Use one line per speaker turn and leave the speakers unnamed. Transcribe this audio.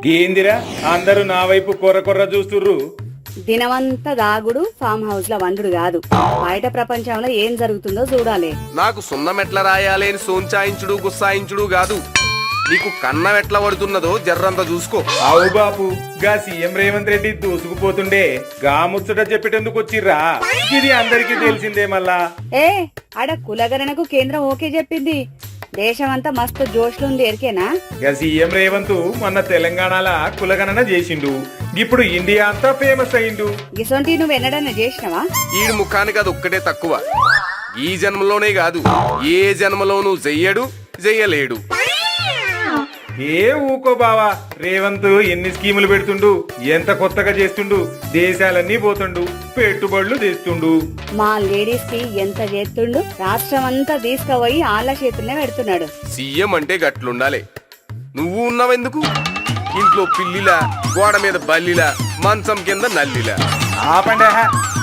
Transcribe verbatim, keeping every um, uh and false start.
ఏందిరా అందరూ నా వైపు కొర్ర కొర్ర చూస్తుర్రు?
దినమంతా దాగుడు ఫామ్ హౌస్ లో వండుడు కాదు, బయట ప్రపంచంలో ఏం జరుగుతుందో చూడాలి.
నాకు సున్నం ఎట్లా రాయాలి అని సోంచాయించుడు గుస్సాయించుడు కాదు, నీకు కన్నం ఎట్లా పడుతున్నదో జర్రంతా చూసుకో.
అవు బాపు, గా సీఎం రేవంత్ రెడ్డి దూసుకుపోతుండే గా ముచ్చట చెప్పేటందుకు వచ్చిర్రా? ఇది అందరికీ తెలిసిందే. మళ్ళా
ఏ ఆడ కులగణనకు కేంద్రం ఓకే చెప్పింది, దేశమంతా మస్తు జోష్లుంది ఎరికేనా?
గా సీఎం రేవంత్ మొన్న తెలంగాణల కులగణన చేసిండు, ఇప్పుడు ఇండియా అంతా ఫేమస్ అయిండు.
గిసొంటి నువ్వు ఎన్నడన్నా చేసినవా?
ఈడు ముఖానికి అది ఒక్కటే తక్కువ, ఈ జన్మలోనే కాదు ఏ జన్మలోనూ చెయ్యడు చెయ్యలేడు.
ఏ ఊకో బావా, రేవంత్ ఎన్ని స్కీములు పెడుతుండు, ఎంత కొత్తగా చేస్తుండు, దేశాలన్నీ పోతుండు, పెట్టుబడులు తెస్తుండు.
మా లేడీస్ కి ఎంత చేస్తుండు, రాష్ట్రం అంతా తీసుకుపోయి ఆళ్ళ చేతుల్నే పెడుతున్నాడు.
సీఎం అంటే గట్లుండాలి. నువ్వు ఉన్నావెందుకు? ఇంట్లో పిల్లిలా, గోడ మీద బల్లిలా, మంచం కింద నల్లిలా.
ఆపండి.